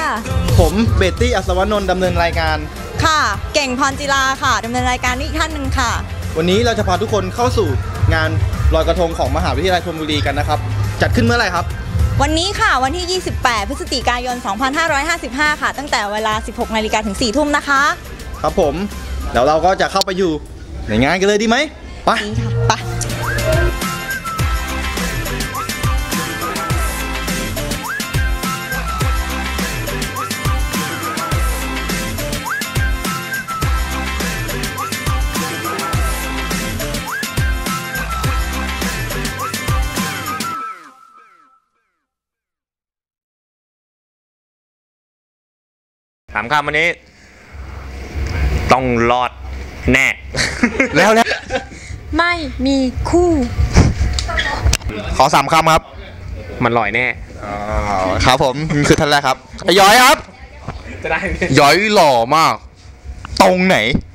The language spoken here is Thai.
ผมเบตตี้อัศวนนท์ดำเนินรายการค่ะเก่งพรจิราค่ะดำเนินรายการนี้อีกท่านหนึ่งค่ะวันนี้เราจะพาทุกคนเข้าสู่งานลอยกระทงของมหาวิทยาลัยธนบุรีกันนะครับจัดขึ้นเมื่อไหร่ครับวันนี้ค่ะวันที่ 28 พฤศจิกายน 2555 ค่ะตั้งแต่เวลา 16 นาฬิกาถึง 4 ทุ่มนะคะครับผมแล้วเราก็จะเข้าไปอยู่ในงานกันเลยดีไหมไปดีค่ะไปถามคำวันนี้ต้องรอดแน่แล้วไม่มีคู่ขอ3 คำครับมันลอยแน่ครับผมคือท่านแรกครับย้อยครับจะได้ย้อยหล่อมากตรงไหน